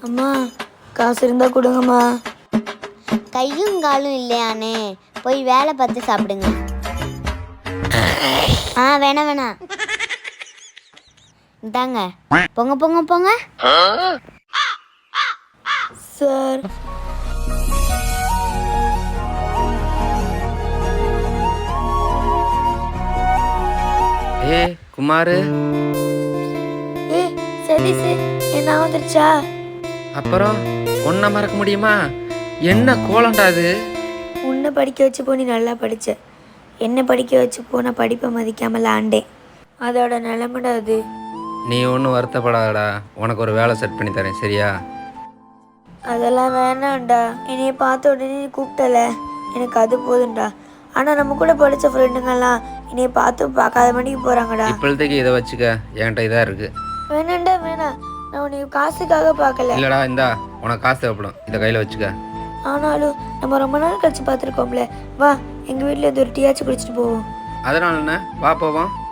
அம்மா காசு இருந்தா கொடுங்கம்மா. கையும் காலும் இல்லையானே, போய் வேலை பார்த்து சாப்பிடுங்க. வேணாம் வேணாம், இந்தாங்க, போங்க போங்க போங்க. சார் குமாரு, சரி சார், என்ன வந்துருச்சா? அப்புறம் ஒன்றை மறக்க முடியுமா? என்ன கோலண்டா அது? உன்னை படிக்க வச்சு போ, நீ நல்லா படித்த. என்ன படிக்க வச்சு போன படிப்பை மதிக்காமல் ஆண்டேன். அதோட நிலைமைடா அது. நீ ஒன்றும் வருத்தப்படாதடா, உனக்கு ஒரு வேலை செட் பண்ணி தரேன், சரியா? அதெல்லாம் வேணாம்டா. என்னைய பார்த்த உடனே நீ கூப்பிட்டல, எனக்கு அது போதும்டா. ஆனால் நம்ம கூட படித்த ஃப்ரெண்டுங்கெல்லாம் என்னைய பார்த்து பார்க்காத மணிக்கு போகிறாங்கடா. இப்போதைக்கு இதை வச்சுக்க, என்கிட்ட இதாக இருக்குது. வேணாண்டா வேணாம், நான் உனக்கு காசுக்காக பார்க்கல. இல்லைடா, இந்தா உனக்கு காசு தேவைப்படும், இதை கையில் வச்சுக்க. ஆனாலும் நம்ம ரொம்ப நாள் கழிச்சு பார்த்துருக்கோம்ல, வா எங்கள் வீட்டில் இருந்து ஒரு டீயாச்சும் குடிச்சிட்டு போவோம். அதனால என்ன, வா போவோம்.